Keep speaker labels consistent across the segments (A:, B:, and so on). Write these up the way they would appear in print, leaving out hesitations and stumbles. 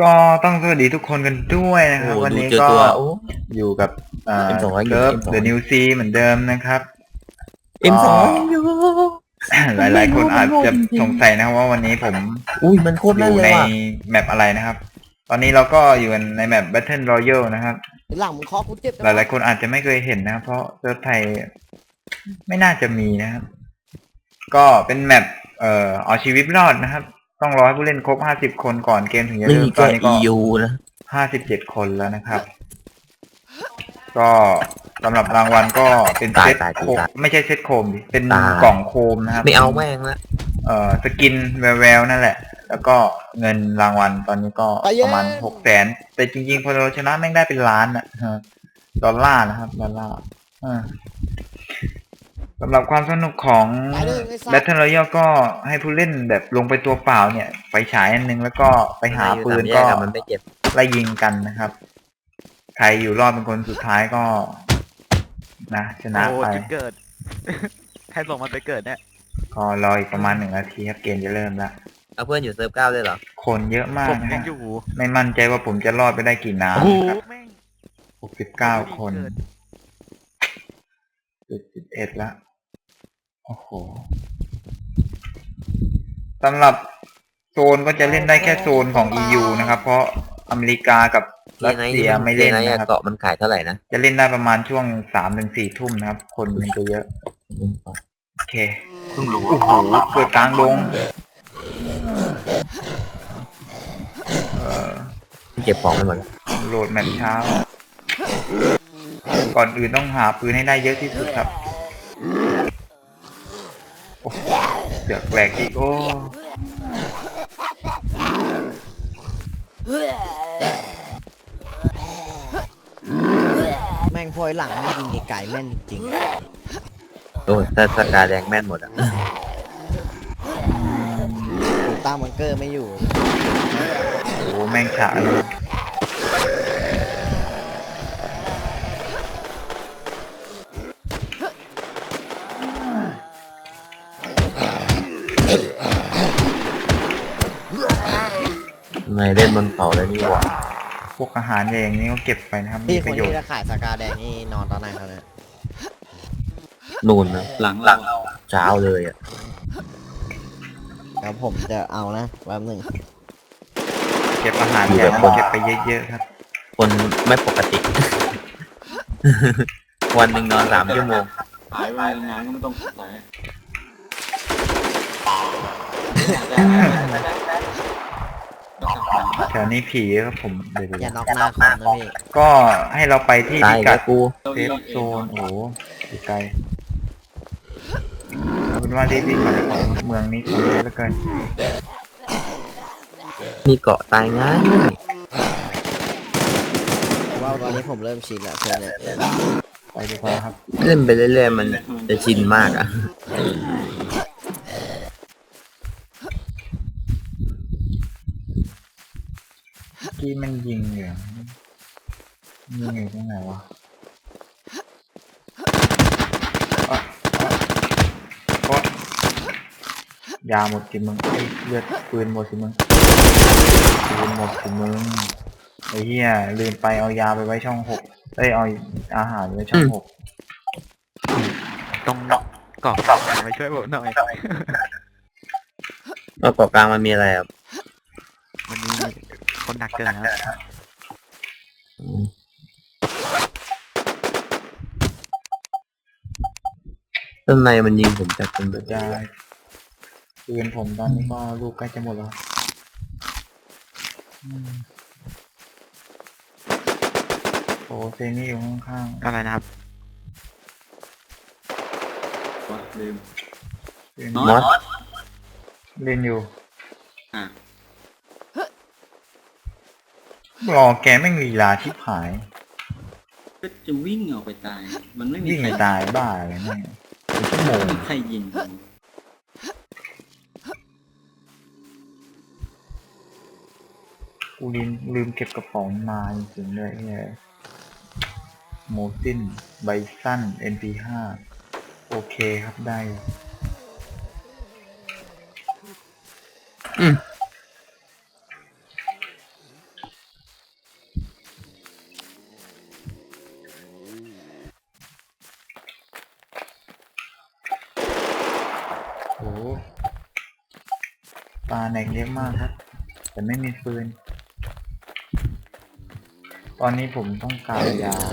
A: ก็ต้องสวัสดีทุกคนกันด้วยนะครับวันนี้ก็อยู่กับ
B: M200
A: เซิร์ฟ The New Sea เหมือนเดิมนะครับ
B: M2
A: ก็หลายๆคนอาจจะสงสัยนะครับว่าวันนี้ผม
B: มันโคตร
A: อยู่
B: เลย
A: ใน
B: ว่ะ
A: แมปอะไรนะครับ ตอนนี้เราก็อยู่ในแมป Battle Royale นะครับ
C: หลังมึงเคาะกูเจ็บ
A: หลายๆคนอาจจะไม่เคยเห็นนะครับเพราะเซิร์ฟไทยไม่น่าจะมีนะครับ ก็เป็นแมปเอาชีวิตรอดนะครับ ต้องรอให้ผู้เล่นครบ50 คนก่อนเกมถึงจะ
B: นี่
A: เริ่มต
B: แค่
A: อนนี้ก็
B: EU นะ
A: 57 คนแล้วนะครับ ก็สำหรับรางวัลก็เป็นเซตโคมไม่ใช่เซตโคมดิเป็นกล่องโคมนะครับ
B: ไม่เอาแม่งละ
A: สกินแววๆนั่นแหละ แล้วก็เงินรางวัลตอนนี้ก็ประมาณ600,000แต่จริงๆพอเราชนะแม่งได้เป็นล้านอะดอลลาร์นะครับดอลลาร์สำหรับความสนุกของ Battle Royale ก็ให้ผู้เล่นแบบลงไปตัวเปล่าเนี่ยไปฉายอันนึงแล้วก็ไปหาปืนก็
B: มันไม่เจ็บ
A: ไล่ยิงกันนะครับ ใครอยู่รอดเป็นคนสุดท้ายก็นะชนะไป
D: จุดเกิด ใครส่งมันไปเกิดเนี่ย
A: ก็รออีกประมาณ1 นาทีครับเกมจะเริ่มแล้ว
B: เอาเพื่อนอยู่เซิร์ฟ9ด้วยเหรอ
A: คนเยอะมาก
D: ผม
A: นะ
D: ยั
A: ฮะ
D: งอยู่
A: ไม่มั่นใจว่าผมจะรอดไปได้กี่น้ำ
D: โอ้โห
A: นะครับ
D: แม่ง
A: 69 คน11ละโอ้โหสำหรับโซนก็จะเล่นได้แค่โซนของ EU นะครับ เพราะอเมริกากับรัสเซียไม่เล่นนะครับ
B: เกาะมันขายเท่าไหร่นะ
A: จะเล่นได้ประมาณช่วง3 ถึง 4 ทุ่มนะครับ คนมันจะเยอะโอเคโอ้โหเกิดกลางดง
B: เก็บของไปหมด
A: โหลดแมปเช้า ก่อนอื่นต้องหาปืนให้ได้เยอะที่สุดครับโอ้โหเดือดแหลกอีกโอ้
C: แม่งพอยหลังไม่ยิงไกลแม่นจริง
B: โอ้ถ้าสกาแดงแม่นหมดอ่ะ
C: ๆกูตั้งบังเกอร์ไม่อยู่
A: โหแม่งฉะเลย
B: ทำไมเล่นบนเขาแล้วนี่หว่า
A: พวกอาหารอย่างนี้ก็เก็บไปนะครับมี
C: พี่
A: ป
C: คน
A: ระโยช
C: ที่
A: น์
C: จะขายสกาแดงนี่นอนตอนไหนเขาเนี่ย
B: นูนนะหลังเช้าเลยอ่ะ
C: แล้วผมจะเอานะแป๊บหนึง
A: เก็บอาหารอย่างเก็บไปเยอะๆครับ
B: คนไม่ปกติ วันหนึ่งนอน3 ชั่วโมง
E: หายไปงานก็ไม่ต้องสาย
A: แถวนี้ผีครับผมเดี๋ยว
C: อย่าน็อกหน้าคอมนะพี่
A: ก็ให้เราไปที่
B: ตาย
A: พิ
B: แล้
A: กั
B: ว
A: ด
B: กู
A: เซฟโซนโอ้โหอยู่ไกลเอาเป็นว่ารีบวิ่งมาเลยของเมืองนี้คนเยอะเหลือเกิน
B: มีเกาะตายง่าย
C: ว่าตอนนี้ผมเริ่มชินแล้วเพื่อนเนี่ย
A: ไปดีกว่าครับ
B: เล่นไปเรื่อยๆมันจะชินมากอ่ะ
A: เมื่อกี้มันยิงอยู่ยิงอยู่ตรงไหนวะอ่ะอ่ะยาหมดสิมึงไอ้ยเลือดปืนหมดสิมึงปืนหมดสิมึงไอ้เหี้ยลืมไปเอายาไปไว้ช่อง6เอ้ยเอาอาหารไว้ช่อง6
D: ตรงเกาะมาช่วยผมหน่อย
B: แล้วเกาะกลางมันมีอะไรอ่ะ
D: มันมีคนหนักเกินครับ
B: ต้นในมันยิงผมจากตรง
A: เดี๋ยวจะปืนผมตอนนี้ก็ลูกใกล้จะหมดแล้วโอ้เซนี่อยู่ข้าง
D: อะไรนะครับ
E: ลืม
A: ๆเล่น
B: มอส
A: เล่นอยู่
E: อ่ะ
A: รอแกไม่งลีลาชิบหาย
E: ก็จะวิ่งออกไปตาย มันไม่มี
A: วิ่ง
E: ใคร
A: ไม่ตายบ้าอะไรแม่งเป็นชั่วโมง
E: ไม่มีใครยิง
A: กูลืมเก็บกระป๋องมาจริงๆเลยเนี่ยโมซินไบซัน NP5 โอเคครับได้
B: อืม
A: ปลาแหนกเยอะมากครับ แต่ไม่มีฟืน ตอนนี้ผมต้องการยา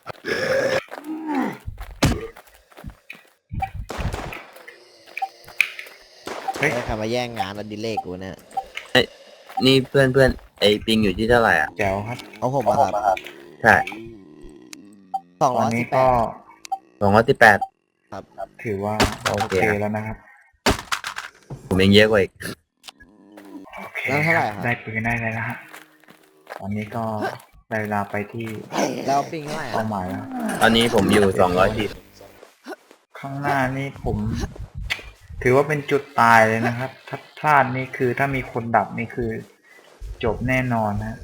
A: เฮ้ย
C: ได้คำมาแย่งงานอดิเรกกูเนี่ย
B: นี่เพื่อนไอปิงอยู่ที่เท่าไหร่อ่ะ
A: แจ๋วครับ
C: เอาผมมาครับ
B: ใช่
C: สอง
A: ตอ
C: ร้
A: น
C: อย
A: นี้
C: สิบแป
A: ก็
C: ด
B: 218
A: ถือว่า
B: โอ
A: โอ
B: เค
A: เคแล้วนะครับ
B: ผมยังเยอะกว่าอีก
A: โอเค
C: แล้วเท่าไหร่ครับ
A: ได้ปืนได้เลยนะฮะ ตอนนี้ก็ได้เวลาไปที่
C: แล้วปิงเท่าไหร่
A: เป้า
C: อะ
A: หมายแล้ว
B: ตอนนี้ผมอยู่210
A: ข้างหน้านี่ผม ถือว่าเป็นจุดตายเลยนะครับ ถ้าพลาดนี่คือถ้ามีคนดับนี่คือ จบแน่นอนนะ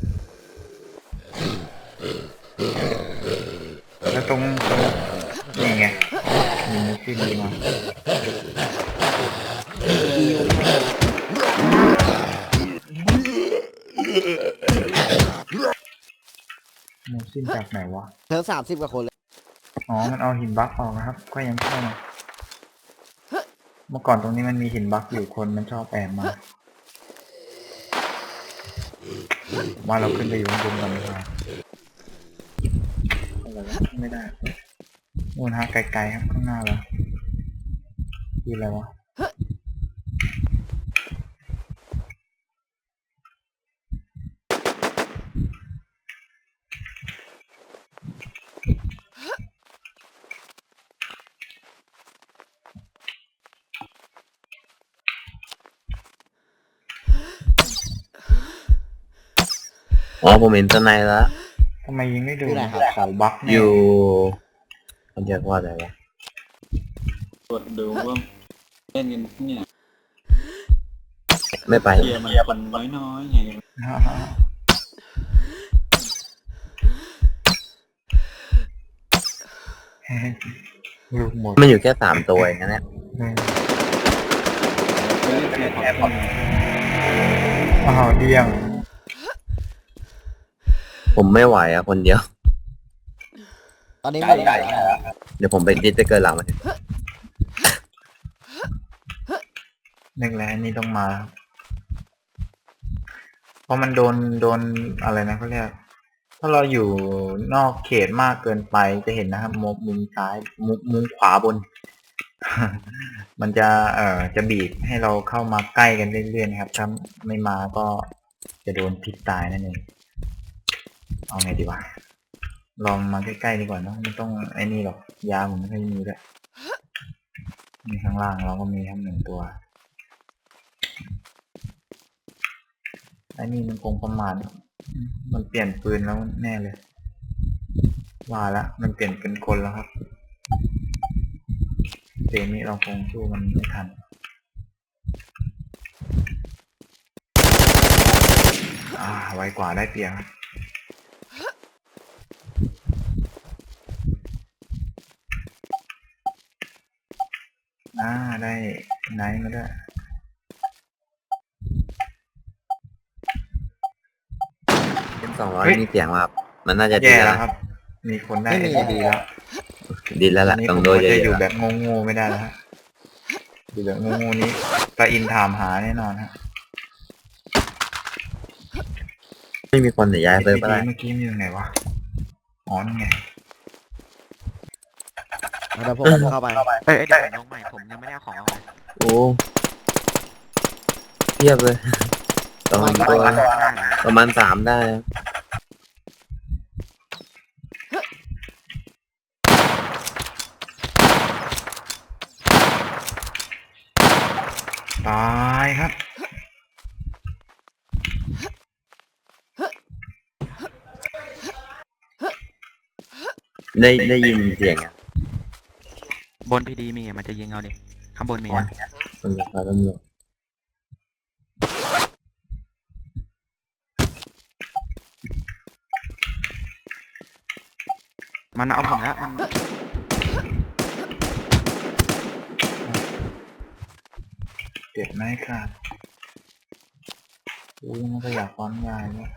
A: แล้วตรงนี่ไงมีมุกที่ดีมามุกสิ้นจากไหนวะ
C: เธอ30กว่าคนเลย
A: อ๋อ มันเอาหินบล็อกออกนะครับ ก็ยังเข้ามาเมื่อก่อนตรงนี้มันมีหินบล็อกอยู่คนมันชอบแอบมาว่าเราขึ้นไปอยู่ข้างบนก่อนดีกว่าอะไรวะไม่ได้นู่นฮะไกลๆครับข้างหน้าเราคืออะไรวะ
B: อ๋อผมเห็นสไนด์แล้ว
A: ทำไมยิงไม่โดู
C: อยู่ไหนครับ
A: เขาบล็อกแน่
B: อยู่มันเรียกว่าอะไรวะ
E: ตรวจดูว่าเล่นกันเนี่ย
B: ไม่ไป
E: เกียร์มันคนน้อยๆไง
A: ฮ่าฮ่าลูกหมด
B: มันอยู่แค่3 ตัวเองนะเนี่ย
E: ไปเล่นเกียร์แอบ
A: อ้าวเดี่ยง
B: ผมไม่ไหวอ่ะคนเดียว
C: ตอนนี้ไม่ได้แล้ว
B: เดี๋ยวผมไปดิสจะเกินหลังมัน
A: นึกแล้วอันนี่ต้องมาครับเพราะมันโดนอะไรนะเขาเรียก ถ้าเราอยู่นอกเขตมากเกินไปจะเห็นนะครับมุมซ้ายมุมขวาบน มันจะจะบีบให้เราเข้ามาใกล้กันเรื่อยๆนะครับถ้าไม่มาก็จะโดนพิษตายนั่นเองเอาไงดีวะลองมาใกล้ๆดีกว่าเนอะไม่ต้องไอ้นี่หรอกยาผมไม่ค่อยมีด้วยมีข้างล่างเราก็มีทั้ง1 ตัวไอ้นี่มันคงประมาณมันเปลี่ยนปืนแล้วแน่เลยว่าละมันเปลี่ยนเป็นคนแล้วครับเกมนี้เราคงสู้มันไม่ทันไวกว่าได้เปรียบครับได้ไนท์มาด้วย
B: เป็น200มีเสียงว่ามันน่าจะดี
A: แย่
B: แล้
A: แล้ว วครับ มีคนได้ ดีแล้ว
B: ดีแล้ว
A: ตอ
B: ล่ะ
A: นนี้
B: ต้
A: ผ
B: อง
A: ม
B: โดย
A: ก็
B: เย
A: จะอยู่
B: อะ
A: แบบงงๆไม่ได้แล้วฮะอยู่แบบงงๆนี้ตาอินถามหาแน่นอนฮะ
B: ๆไม่มีคนแต่ย้ายเซิร์ฟอะไร
A: เมื่อกี้มันอยู่ไหนวะอ๋อนี่ไง
C: เดี๋ยวผมเข้าไป
D: เอ้ยเดี๋ยวผมลงใหม่ผมยังไม่ได้เอาของเอาเลย
B: โอ้เทียบเลยประมาณ3ได้นะ
A: ตายครับ
B: ได้ยินเสียงอ่ะ
D: บนพีดีมีมันจะยิงเอาดิข้างบนมีนะ
B: ตำรวจตำรวจ
D: มันเอาผมแล้วมัน
A: เจ็บไหมครับอุ้ยมันก็อยากป้อนยายเนี่ย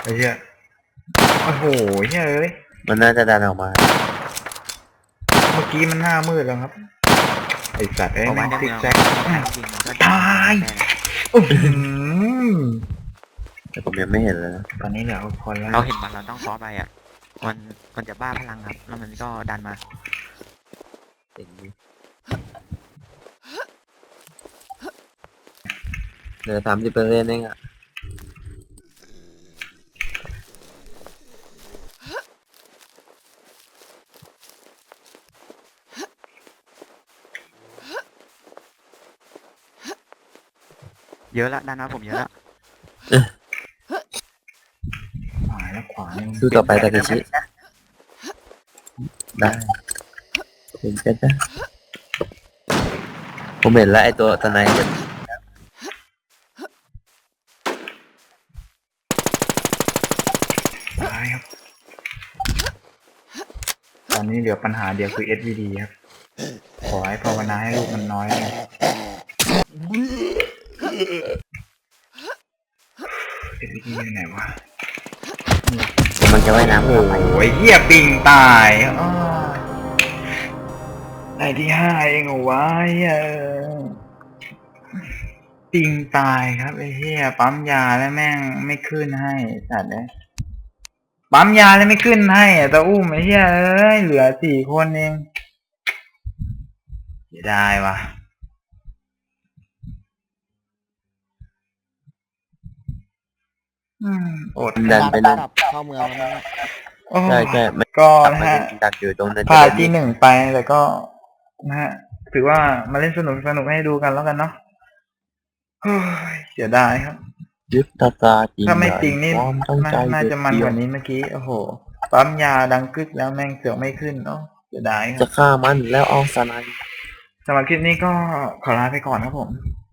A: ไอ้เหี้ยโอ้โหเหี้ยเอ้ย
B: มันน่าจะดันออกมา
A: เมื่อกี้มันหน้ามืดแล้วครับไอ้สัตว์ไอ้
D: เพราะ
A: แม่
D: ว่าง ใน
A: ซิ
D: เมื
A: ก
D: อง
A: แซก
D: จริงมันก็
A: ตาย อื้อหือ
B: แต่ผมยังไม่เห็นเลยนะ
A: ตอนนี้เหลือคนแล้ว
D: เราเห็นมันเราต้องซ้อไปอ่ะมันจะบ้าพลังครับแล้วมันก็ดันมา
B: เหลือ30%เองอ่ะ
D: เยอะละด้านหน้าผมเยอะละ
A: ขวาแล้วขวานี่มัน
B: สู้ต่อไปตาเคชิได้เห็นกันนะผมเห็นแล้วไอตัวตะไนจะ
A: ตายครับ ตอนนี้เหลือปัญหาเดียวคือ SVD ครับ ขอให้ภาวนาให้ลูกมันน้อยนะ SVD อยู่ไหนวะ
B: มันจะว่ายน้ำ
A: โอ้
B: เข้าไป
A: ยเหี้ยปิงตายอ้อได้ที่5เองเหรอวะเหี้ยปิงตายครับไอ้เหี้ยปั๊มยาแล้วแม่งไม่ขึ้นให้สัตว์เลยปั๊มยาแล้วไม่ขึ้นให้อะตาอุ้มไอ้เหี้ยเอ้ยเหลือ4 คนเองเสียดายว่ะอด
B: ดันไปนั่น
C: กลับเข้าเมืองแล้วมั้ง
A: โอ้
B: ใช่ใช่มัน
A: ก็
B: กลับ
A: นะ
B: มา
A: ฮะ
B: ดักอยู่ตรงนั้น
A: พลาดที่1ไปแต่ก็นะฮะถือว่ามาเล่นสนุกให้ดูกันแล้วกันเนาะเฮ้ยเสียดายครับ
B: ยึดตาตาจริง
A: ถ้าไม่จริงนี่
B: ความตั้งใจ
A: น่าจะมันกว่านี้เมื่อกี้โอ้โหปั๊มยาดังกึกแล้วแม่งเสือกไม่ขึ้นเนาะเสียดายค
B: จะ
A: รับ
B: ฆ่ามันแล้วเอาสไน
A: สำหรับคลิปนี้ก็ขอลาไปก่อนครับผม